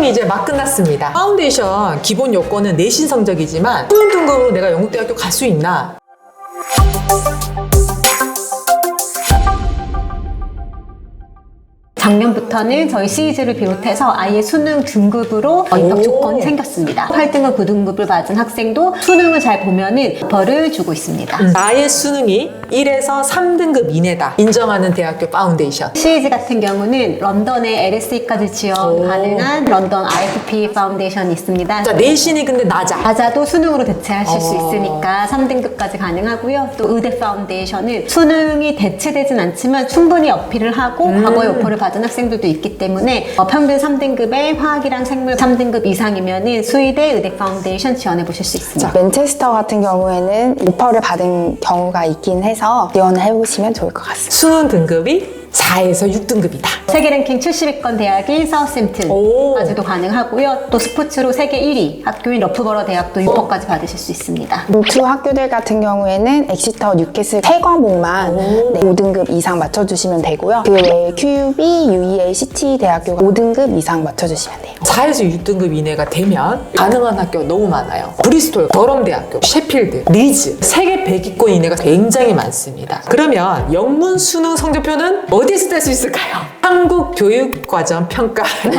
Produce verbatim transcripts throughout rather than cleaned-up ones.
수능이 이제 막 끝났습니다. 파운데이션 기본 요건은 내신 성적이지만 수능 등급으로 내가 영국대학교 갈 수 있나? 작년부터는 저희 시리즈를 비롯해서 아예 수능 등급으로 입학 조건이 생겼습니다. 팔 등급, 구 등급을 받은 학생도 수능을 잘 보면은 벌을 주고 있습니다. 음. 나의 수능이 일에서 삼 등급 이내다 인정하는 대학교 파운데이션. 시리즈 같은 경우는 런던의 엘에스이까지 지원 오. 가능한 런던 아이에프피 파운데이션이 있습니다. 자, 내신이 근데 낮아. 낮아도 수능으로 대체하실 수 어. 있으니까 삼 등급까지 가능하고요. 또 의대 파운데이션은 수능이 대체되진 않지만 충분히 어필을 하고 음. 과거에 오퍼를 받은 학생들도 있기 때문에 어, 평균 삼 등급의 화학이랑 생물 삼 등급 이상이면은 수의대 의대 파운데이션 지원해 보실 수 있습니다. 맨체스터 같은 경우에는 오퍼를 받은 경우가 있긴 해서 지원을 해보시면 좋을 것 같습니다. 수능 등급이 사에서 육 등급이다. 세계 랭킹 칠십 위권 대학인 오. 사우스햄튼까지도 가능하고요. 또 스포츠로 세계 일 위 학교인 러프버러 대학도 유퍼까지 받으실 수 있습니다. 두 학교들 같은 경우에는 엑시터, 뉴캐슬 세 과목만 네, 오 등급 이상 맞춰주시면 되고요. 그 외에 큐유비, 유이엘, 시티 대학교가 오 등급 이상 맞춰주시면 돼요. 사에서 육 등급 이내가 되면 가능한 학교가 너무 많아요. 브리스톨, 더럼 대학교, 셰필드, 리즈 세계 백 위권 이내가 굉장히 많습니다. 그러면 영문 수능 성적표는 어디서 뗄 수 있을까요? 한국교육과정 평가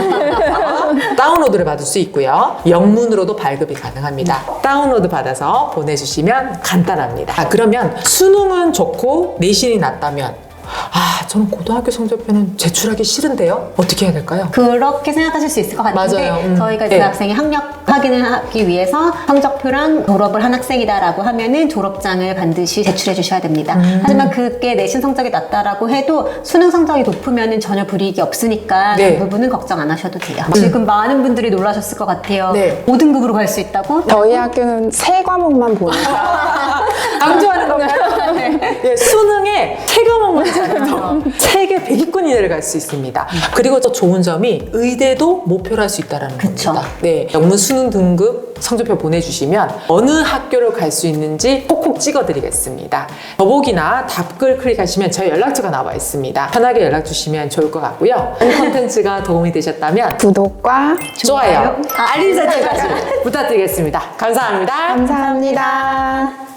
다운로드를 받을 수 있고요. 영문으로도 발급이 가능합니다. 다운로드 받아서 보내주시면 간단합니다. 아, 그러면 수능은 좋고 내신이 낮다면 아, 저는 고등학교 성적표는 제출하기 싫은데요? 어떻게 해야 될까요? 그렇게 생각하실 수 있을 것 같은데 맞아요. 음. 저희가 네. 그 학생이 학력 확인을 하기 위해서 성적표랑 졸업을 한 학생이다라고 하면은 졸업장을 반드시 제출해 주셔야 됩니다. 음. 하지만 그게 내신 성적이 낮다라고 해도 수능 성적이 높으면은 전혀 불이익이 없으니까 네. 그 부분은 걱정 안 하셔도 돼요. 지금 많은 분들이 놀라셨을 것 같아요. 네. 오 등급으로 갈 수 있다고? 저희 학교는 세 과목만 보는 강조하는 건가요? 네, 수능에 세 과목만 잘해서 세계 백 위권 이내를 갈 수 있습니다. 그리고 또 좋은 점이 의대도 목표로 할 수 있다는 그쵸. 겁니다. 네, 영문 수능 등급 성적표 보내주시면 어느 학교를 갈 수 있는지 콕콕 찍어드리겠습니다. 더보기나 답글 클릭하시면 저희 연락처가 나와 있습니다. 편하게 연락 주시면 좋을 것 같고요. 이 콘텐츠가 도움이 되셨다면 구독과 좋아요, 알림 설정까지 부탁드리겠습니다. 감사합니다. 감사합니다.